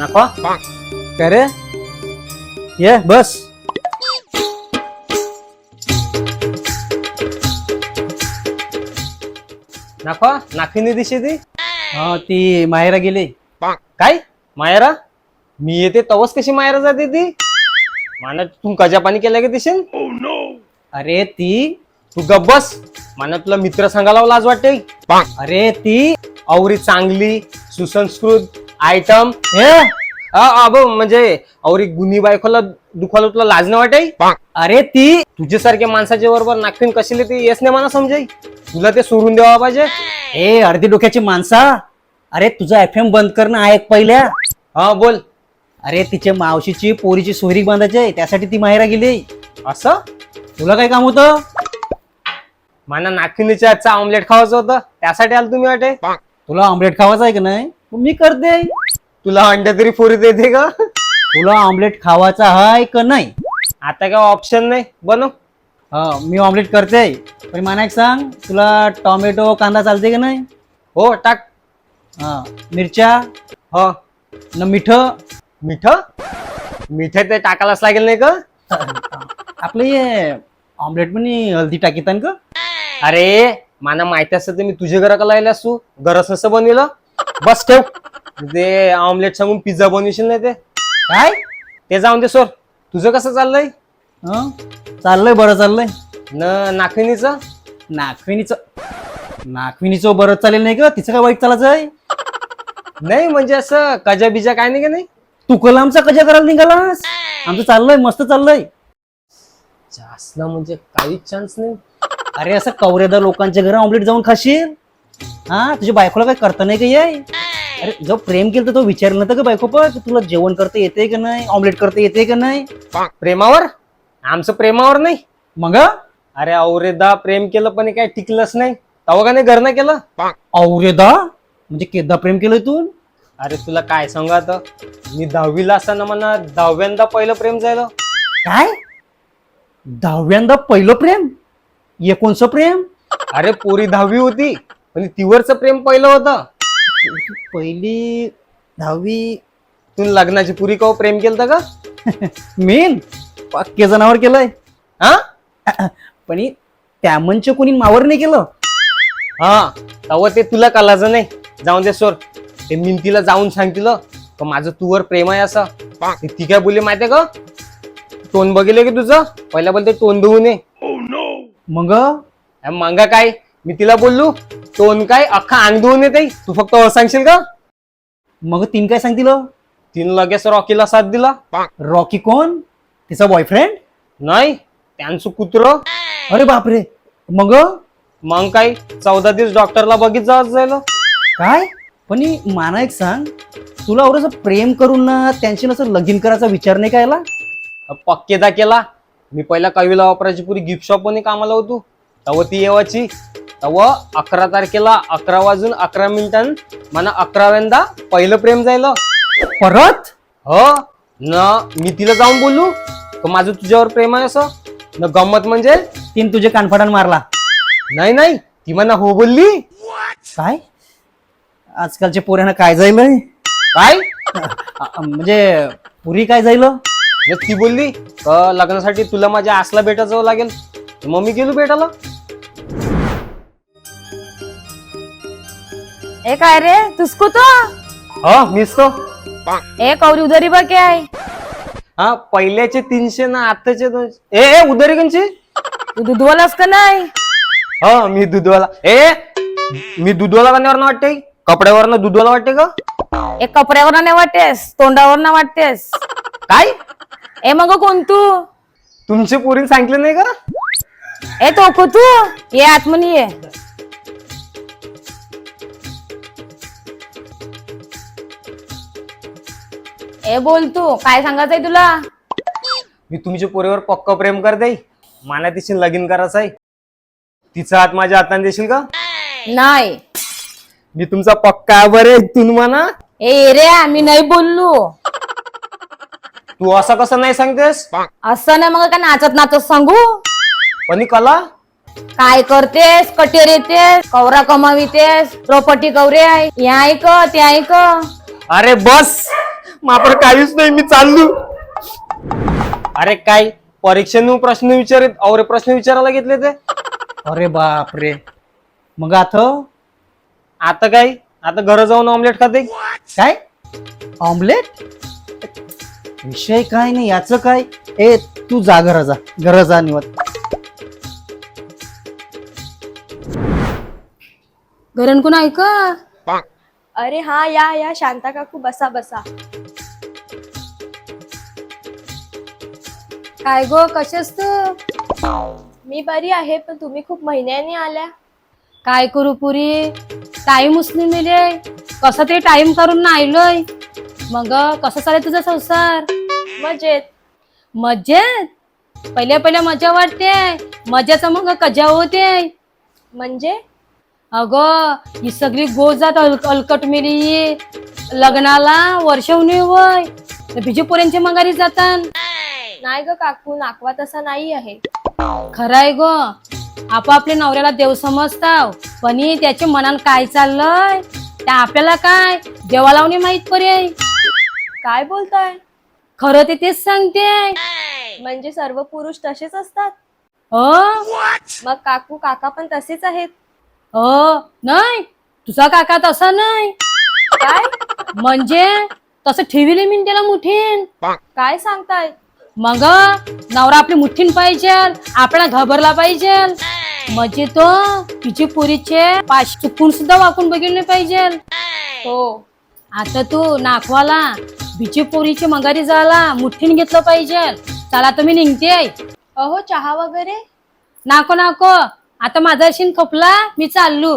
नको काय रे ये बस. नको नाखिनी दिशे ती हा ती माहेरा गेली. काय मायरा मी येते तवस कशी मायरा जाते ती माना तू कजा पाणी केलं का दिसेल अरे ती तू गप बस माना तुला मित्र सांगायला लाज वाटते अरे ती औरी चांगली सुसंस्कृत आयटम हे अब म्हणजे औरी गुन्ही बायकोला दुखाला तुला लाज नाही वाटे अरे ती तुझ्यासारख्या माणसाच्या बरोबर नागपिन कशी ते येस नाही मला समजाई तुला ते सोडून द्यावा पाहिजे ए अर्धी डोक्याची माणसा. अरे तुझा FM बंद करणं आहे पहिल्या. हा बोल अरे तिच्या मावशीची पोरीची सोयरी बांधायची आहे त्यासाठी ती माहेरा गेली. असं तुला काय काम होतं? मला नागपिनीच्या आजचा ऑमलेट खावायचं होतं त्यासाठी आलो तुम्ही वाटे तुला ऑमलेट खावायचा आहे का नाही मी करते. तुला अंडे तरी फोरी देते का तुला ऑमलेट खावायचा आहे का नाही? आता काय ऑप्शन नाही बनव हा मी ऑमलेट करते पण मला एक सांग तुला टोमॅटो कांदा चालते का नाही? हो टाक हा मिरच्या हो न मीठ मिठ मिठ ते टाकायलाच लागेल नाही का आपलं हे ऑमलेट पण हल्दी टाकीतान का? अरे मला माहिती असतं ते मी तुझ्या घराकडे लायला असू गरज नसतं बनविलं बस ठेव ते ऑमलेट सांगून पिझ्झा बनवशील नाही ते काय ते जाऊन दे सोर तुझं कसं चाललंय हं? चाललंय बरं चाललंय. नाखिनीचं नाखविनीचं बरं चालेल नाही का? तिचं काय वाईट चालायचं आहे? नाही म्हणजे असं कजा बिजा काय नाही का नाही तू कलामचा कजा करायला निघालास? आमचं चाललंय मस्त चाललंय. जास्त म्हणजे काहीच चान्स नाही अरे असं कवरेदार लोकांच्या घरी ऑमलेट जाऊन खाशील? हा तुझ्या बायकोला काय करता नाही का ये? अरे जो प्रेम केलं तर तो विचारलं नव्हतं का बायको पण तुला जेवण करता येते का नाही ऑमलेट करता येते का नाही? प्रेमावर आमचं प्रेमावर नाही मग अरे औरेदा प्रेम केलं पण हे काय टिकलंच नाही तवा का नाही घरनं केलं औरेदा म्हणजे केदा प्रेम केलंय तू? अरे तुला काय सांगू आता मी 10वीला असताना मला 10व्यांदा पहिलं प्रेम झालं काय 10व्यांदा पहिलं प्रेम? एकोणचं प्रेम? अरे पोरी 10वी होती पण तिवरचं प्रेम पहिलं होतं पहिली 10वी तू लग्नाची पुरी कव प्रेम केलं का मेन पक्के जनावर केलंय. हा पण त्यामनचे कोणी मावर नाही केलं. हा तव ते तुला कलाचं नाही जाऊन दे सोर ते मिनतीला जाऊन सांगतील का माझं तुवर प्रेम आहे असं ती काय बोलली माहितीये का टोन बघितलं की तुझं पहिला बोलते टोन देऊ नये मग मंगा काय मी तिला बोललो टोन काय अख्खा अंग धुवून येते तू फक्त सांगशील का मग तीन काय सांगतील? तिने लगेच रॉकीला साथ दिला रॉकी कोण? तिचा बॉयफ्रेंड? नाही त्यांचं कुत्र अरे बापरे. मग मग काय 14 दिवस डॉक्टरला बघित जायला काय पण माना एक सांग तुला एवढं प्रेम करून ना त्यांची नसं लगीन करायचा विचार नाही काय आला? पक्केदा केला मी पहिला कविला वापरायची पुरी गिफ्ट शॉप मध्ये कामाला होतो तव ती येवाची तव 11 तारखेला 11 वाजून 11 मिनिटां मला 11व्यांदा पहिलं प्रेम जायला परत? हो न मी तिला जाऊन बोलू तर माझं तुझ्यावर प्रेम आहे असं न गंमत म्हणजे तीन तुझे कानफाडान मारला? नाही ती म्हणा हो बोलली काय आजकालच्या पोऱ्यांना काय जाईल काय म्हणजे पुरी काय जाईल? ती बोलली लग्नासाठी तुला माझ्या आसला भेटा जावं लागेल मग मी गेलो भेटायला ए काय रे तुझको तो हो मीच तो ए कौरी उधारी बा क्या है हा पहिल्याचे 300 ना आताचे 200 ए उधारी कंची तू दूधवालास का नाही? हो मी दूधवाला मी दूधवाला करण्यावर वाटते कपड्यावर ना दूधवाला वाटते का एक कपड्यावर नाही वाटतेस तोंडावर ना वाटतेस काय ए मग कोण तू? तुमचे पोरीन सांगितलं नाही का ए तो तू ये आतमनी ये. ए बोल तू काय सांगायचंय तुला? मी तुमच्या पोरीवर पक्क प्रेम करते मला तिशी लगीन करायचं आहे तिचा हात माझ्या हाताने देशील का नाही मी तुमचा पक्का बरे तुम्ही म्हणा ए रे आम्ही नाही बोललो तू असं कसं नाही सांगतेस असं नाही मग काय नाचत नाचत सांगू पण कला काय करतेस कटेर येतेस कवरा कमावितेस प्रॉपर्टी कवरे आहे हे ऐक ते ऐक अरे बस मात्र काहीच नाही, मी चाललो. अरे काय परीक्षेने प्रश्न विचारित और प्रश्न विचारायला घेतले ते. अरे बाप रे. मग आता काय, आता घरा जाऊन ऑमलेट खाते. काय ऑमलेट? विषय काय नाही याचं काय. ए तू जा घरा जा निवांत. घरण कोण ऐका. अरे हा या या शांता काकू बसा बसा. काय गो कशास तू. मी बरी आहे पण तुम्ही खूप महिन्याने आल्या. काय करू पुरी, टाइम उचलून मिळे. कसं ते टाइम करून ना आलोय. मग कसं चालेल तुझा संसार. मजेत. मजेत पहिल्या मजा वाटते. मजाचा मग कजा होते. म्हणजे अगं ही सगळी गोजात अलकट मिली. लग्नाला वर्ष होणे वय बिजू पोऱ्यांच्या मंगारी जातात. नाही ग काकू, नाकवा तसा नाही आहे. खरंय ग, आपापल्या नवऱ्याला देव समजताव, पण त्याच्या मनात काय चाललंय त्या आपल्याला काय देवा लावणे माहित पर्याय. काय बोलताय. खरं ते तेच सांगते. म्हणजे सर्व पुरुष तसेच असतात. मग काकू काका पण तसेच आहेत. नाही, तुझा काका तसा नाही. काय म्हणजे तसं ठेविले मी त्याला मुठीन. काय सांगताय. मग नवरा आपली मुठीन पाहिजे, आपल्याला घाबरला पाहिजे. म्हणजे तो तिची पुरीचे पाश चुकून सुद्धा वाकून बघितले पाहिजे. हो. आता तू नाखवाला बिची पोरीची मंगारी झाला मुठीन घेतलं पाहिजे. चला तुम्ही निघते. अहो चहा वगैरे. नाको आता माझा शिन खपला, मी चाललो.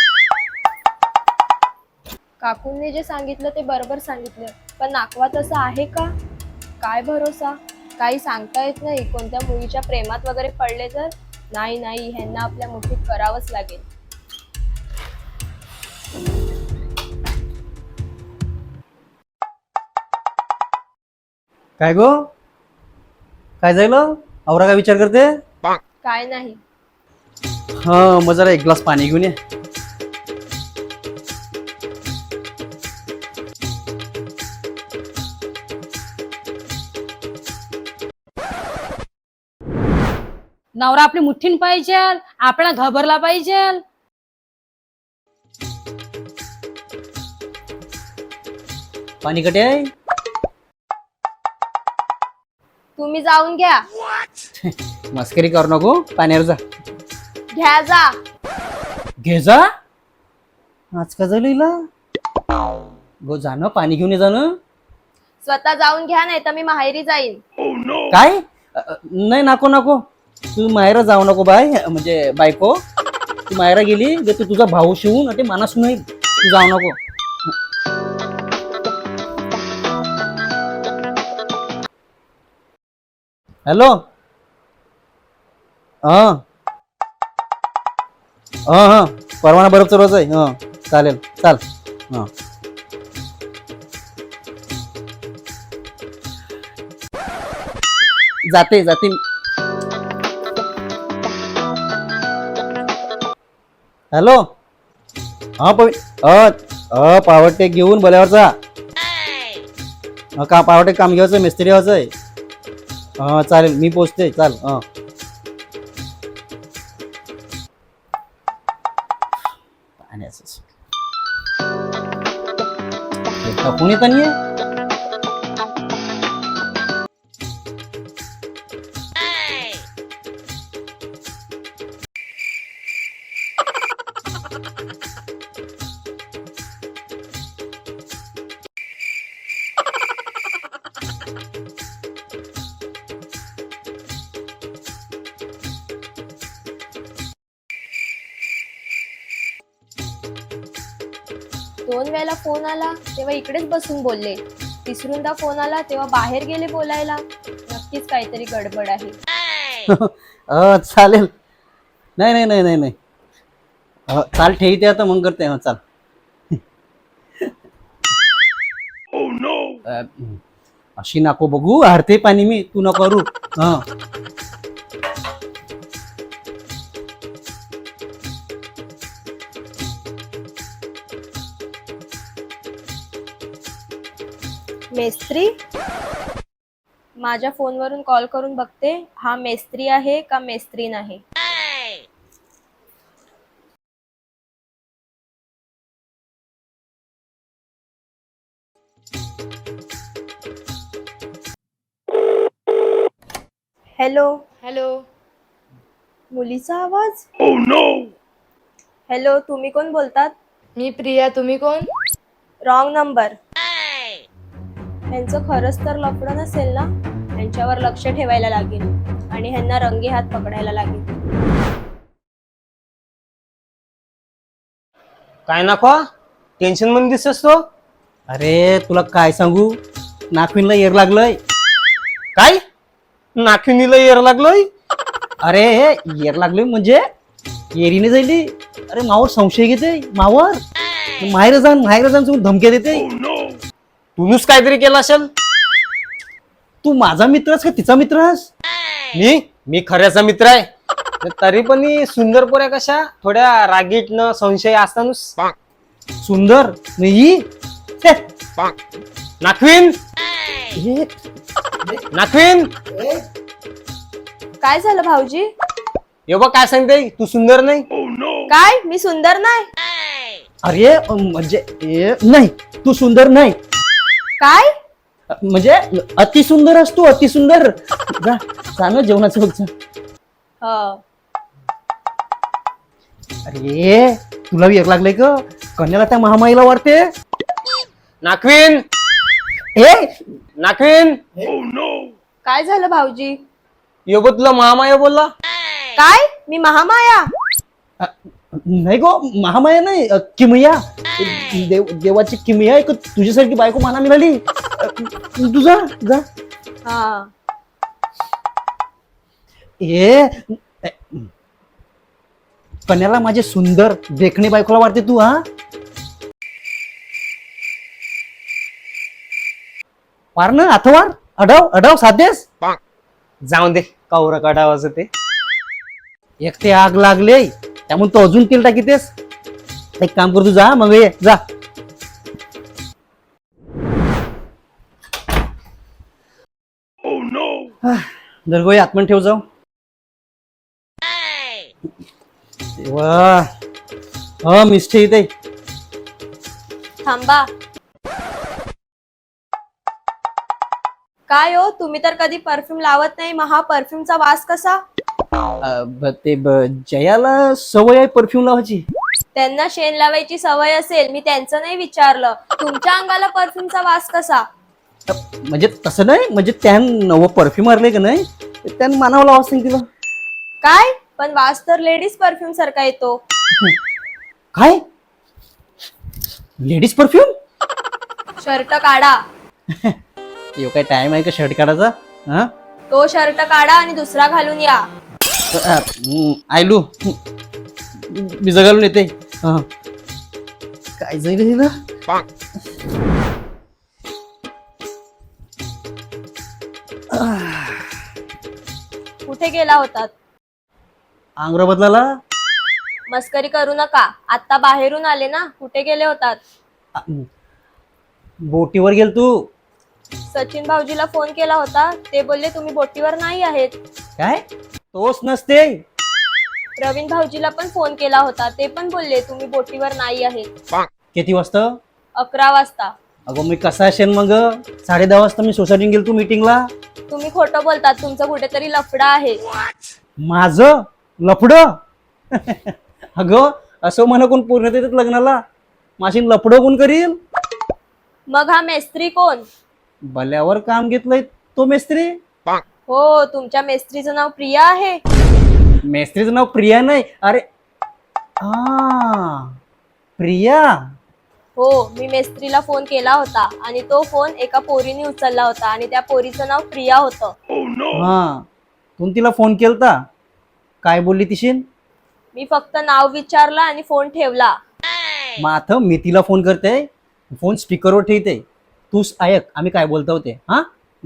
काकूंनी जे सांगितलं ते बरोबर सांगितलं, पण नाकवा तसं आहे का. काय भरोसा. काही सांगता येत नाही. कोणत्या मुलीच्या प्रेमात वगैरे पडले तर नाही ह्यांना आपल्या मुठीत करावंच लागेल. काय गो, काय झालं. औरा काय विचार करते. काय नाही. हा मग जरा एक ग्लास पाणी घेऊन ये. नवरा आपली मुठीन पाहिजे, आपल्याला घाबरला पाहिजे. पाणी कटे आहे. तुम्ही जाऊन घ्या. मस्करी करू नको, पाण्यावर जा. घ्या जा. घे जा. आज का झालं गो, जाणं पाणी घेऊन ये जाणं. स्वतः जाऊन घ्या, नाही तर मी माहेरी जाईन. काय नाही, नको तू माहेरा जाऊ नको बाय, म्हणजे बायको. तू माहेरा गेली तू तुझा भाऊ शिवून ते मानस नाही. तू जाऊ नको. हॅलो. हा परवाना बरोबर रोज आहे. चालेल चाल. जाते. हॅलो. पावटे घेऊन बोल्यावरचा. का पावटे काम घ्यायचं, मिस्त्री व्हायचंय. चालेल मी पोचते. चाल. कोणी तर नाही. दोन वेळेला फोन आला तेव्हा इकडेच बसून बोलले. तिसरूनदा फोन आला तेव्हा बाहेर गेले बोलायला. नक्कीच काहीतरी गडबड आहे. चालेल. नाही. चाल ठेवते आता, मग करते. चाल. अशी नको बघू, हरते पाणी मी, तू नको करू. मेस्त्री? माझ्या फोनवरून कॉल करून बघते हा मेस्त्री आहे का मेस्त्रीन आहे. हॅलो. हॅलो. मुलीचा आवाज. हॅलो, तुम्ही कोण बोलतात? मी प्रिया. तुम्ही कोण? Wrong number. ह्यांचं खरंच तर लफडं नसेल ना? ह्यांच्यावर लक्ष ठेवायला लागेल आणि ह्यांना रंगी हात पकडायला लागेल. काय नको टेन्शन मध्ये दिसतोस तो. अरे तुला काय सांगू, नाखविनला येर लागलंय. काय नाखिनीला येर लागलोय? अरे येर लागले म्हणजे येरीने जायली. अरे मावर संशय घेते मावर. माहेर जाऊन सोडून धमक्या देते. तूच काहीतरी केलं असेल. तू माझा मित्रस का तिचा मित्रस? मी खऱ्याचा मित्र आहे. तरी पण ही सुंदर पोऱ्या कशा थोड्या रागीट न संशय असतानुस. सुंदर मी नाखविन नाखविन काय झालं भाऊजी? ये बघ काय सांगते तू सुंदर नाही. काय मी सुंदर नाही? अरे म्हणजे नाही तू सुंदर नाही. काय? म्हणजे अति सुंदर असतो अति सुंदर. जा ना जेवणाचं बघ जा. ह. अरे तुला येर लागलंय का? कन्याला त्या महामाईला वाढते. नाखविन ए नाखविन काय झालं भाऊजी? यो बघ तुला महामाया बोलला. काय मी महामाया? नाही गो महामाया नाही किमया. देवाची किमया आहे का तुझ्यासारखी बायको मला मिळाली. तू जा जा. हा. ए कन्याला माझे सुंदर देखणे बायकोला वाटते तू. हा वार ना अथवार अडाव अडाव साधेस. जाऊन दे कौरा काढावाचं ते. एक ते आग लागले त्यामुळे तो अजून तेल टाकीतेस. एक काम कर तू जा मग ये जा. दरगोई आत्मन ठेव जाऊ. वा हा मिस्टे इथे. थांबा. काय हो तुम्ही तर कधी परफ्यूम लावत नाही, मग हा परफ्यूमचा वास कसा? जयाला सवय आहे परफ्यूम लावायची. त्यांना शेण लावायची सवय असेल, मी त्यांचं नाही विचारलं. तुमच्या अंगाला परफ्यूमचा वास कसा? म्हणजे तसं नाही, म्हणजे त्यानं परफ्यूम मारले का नाही त्यानं मानावं लावा सांग तिला. काय पण वास तर लेडीज परफ्यूम सारखा येतो. काय लेडीज परफ्यूम? शर्ट काढा. यो काय टाइम आहे का शर्ट काढायचा? हा तो शर्ट काढा आणि दुसरा घालून या. आयलू मी जगालून येते. हा काय जाईल ना. कुठे गेला होतात? आंग्र बदलाला. मस्करी करू नका. आता बाहेरून आले ना, कुठे गेले होतात? बोटीवर गेल तू. सचिन भाऊजीला फोन केला होता, ते बोलले तुम्ही बोटीवर नाही आहेत. काय तोच नसते. प्रवीण भाऊजीला पण फोन केला होता, ते पण बोलले तुम्ही बोटीवर नाही आहेत. किती वाजता? 11 वाजता. अगं मी कसा असेल मग 10:30 वाजता मी सोसायटीत गेलो तू मीटिंगला. तुम्ही खोटं बोलतात, तुमचं कुठेतरी लफडा आहे. माझं लफड? अगं असं म्हणा कोण पूर्ण देतात लग्नाला. माझी लफडं कोण करील? मग हा मेस्त्री कोण? भल्यावर काम घेतलंय तो मेस्त्री. हो, तुमच्या मेस्त्रीचं नाव प्रिया आहे. मेस्त्रीचं नाव प्रिया नाही. अरे हा प्रिया. हो, मी मेस्त्रीला फोन केला होता आणि तो फोन एका पोरीने उचलला होता आणि त्या पोरीचं नाव प्रिया होतं. हा तू तिला फोन केलता, काय बोलली तिशीन? मी फक्त नाव विचारलं आणि फोन ठेवला. मग आता मी तिला फोन करते, फोन स्पीकरवर ठेवते, तूच ऐक आम्ही काय बोलतो होते. हा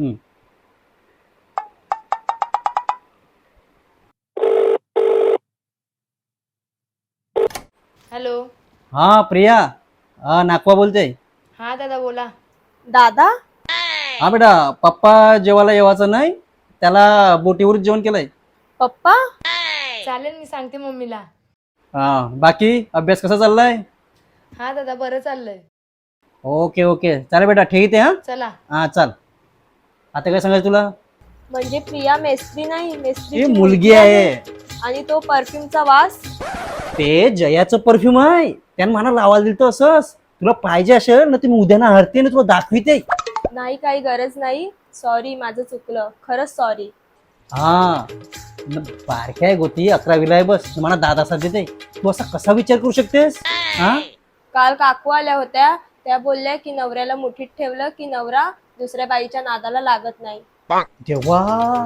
हॅलो. हा प्रिया. हा नाकवा बोलते. हा दादा बोला. दादा? हा बेटा, पप्पा जेवायला येवाचं नाही, त्याला बोटीवरच जेवण केलंय. पप्पा चालेल, मी सांगते मम्मीला. हा, बाकी अभ्यास कसा चाललाय? हा दादा, बरं चाललंय. ओके ओके, चालेल बेटा, ठीक आहे. चला. हा चाल. आता काय सांगायचं तुला? म्हणजे प्रिया मेस्त्री नाही, ही मेस्त्री मुलगी आहे. आणि तो परफ्यूमचा वास. ते जयाचं परफ्यूम आहे, त्यानं मला लावायला दिलं असंच. तुला पाहिजे असेल ना, तुम्ही उद्या ना हरते ना तुला दाखविते. नाही, काही गरज नाही. सॉरी, माझं चुकलं, खरंच सॉरी. हा, बारक्या आहे गोती, 11वीला आहे, बस तुम्हाला दादा साथ देते. तू असा कसा विचार करू शकतेस? हा, काल काकू आल्या होत्या, त्या बोलल्या की नवऱ्याला मुठीत ठेवलं की नवरा दुसऱ्या बाईच्या नादाला लागत नाही. तेव्हा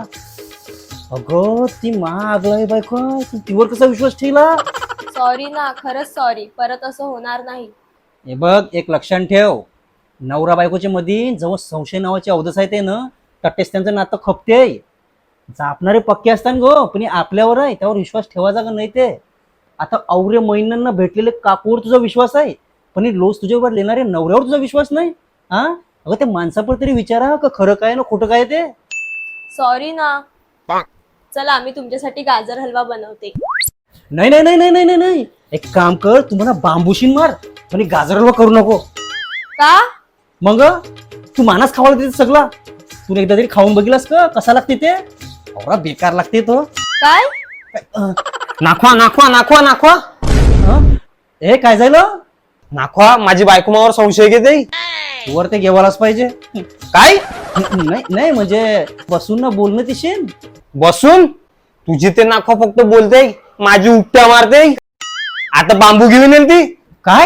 अगं ती महागलाय बायको, तू तिवर कसा विश्वास ठेवला? सॉरी ना, खरंच सॉरी, परत असं होणार नाही. हे बघ, एक लक्षात ठेव, नवरा बायकोच्या मध्ये जवळ संशय नावाचे अवधस आहे ते ना, तटेच त्यांचं नातं खपते. जापणारे पक्के असतात गो, पण हे आपल्यावर आहे, त्यावर विश्वास ठेवायचा का नाही ते. आता औरे महिन्यांना भेटलेले काकूवर तुझा विश्वास आहे, पण हे लोस तुझ्यावर लेणारे नवऱ्यावर तुझा विश्वास नाही. हा, अगं ते माणसापर तरी विचारा का खरं काय ना खोटं काय ते. सॉरी ना. चला, आम्ही तुमच्यासाठी गाजर हलवा बनवते. नाही नाही नाही नाही नाही नाही, एक काम कर, तुम्हाला बांबूशीन मार, पण हे गाजर हलवा करू नको. का? मग तू मानस खावायला देते सगळा. तू एकदा तरी खाऊन बघितलास का कसा लागते ते? एवढा बेकार लागते तो. काय? नाखवा नाखवा नाखवा नाखवा हं? हे काय झालं? नाखवा, माझी बायको मावर संशय घेते. वर ते घेवायलाच पाहिजे. काय नाही नाही, म्हणजे बसून ना बोलणं तिशेन. बसून? तुझी ते नाखवा फक्त बोलते, माझी उपट्या मारते. आता बांबू घेऊन येईल ती. काय?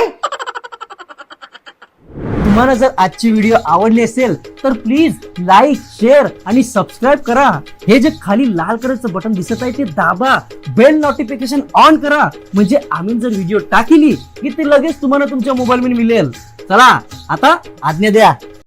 तुम्हाला जर आजची व्हिडिओ आवडली असेल तर प्लीज लाईक, शेअर आणि सबस्क्राईब करा. हे जे खाली लाल कलरचं बटन दिसत आहे ते दाबा. बेल नोटिफिकेशन ऑन करा, म्हणजे आम्ही जर व्हिडिओ टाकली की ते लगेच तुम्हाला तुमच्या मोबाईल मध्ये मिळेल. चला, आता आज्ञा द्या.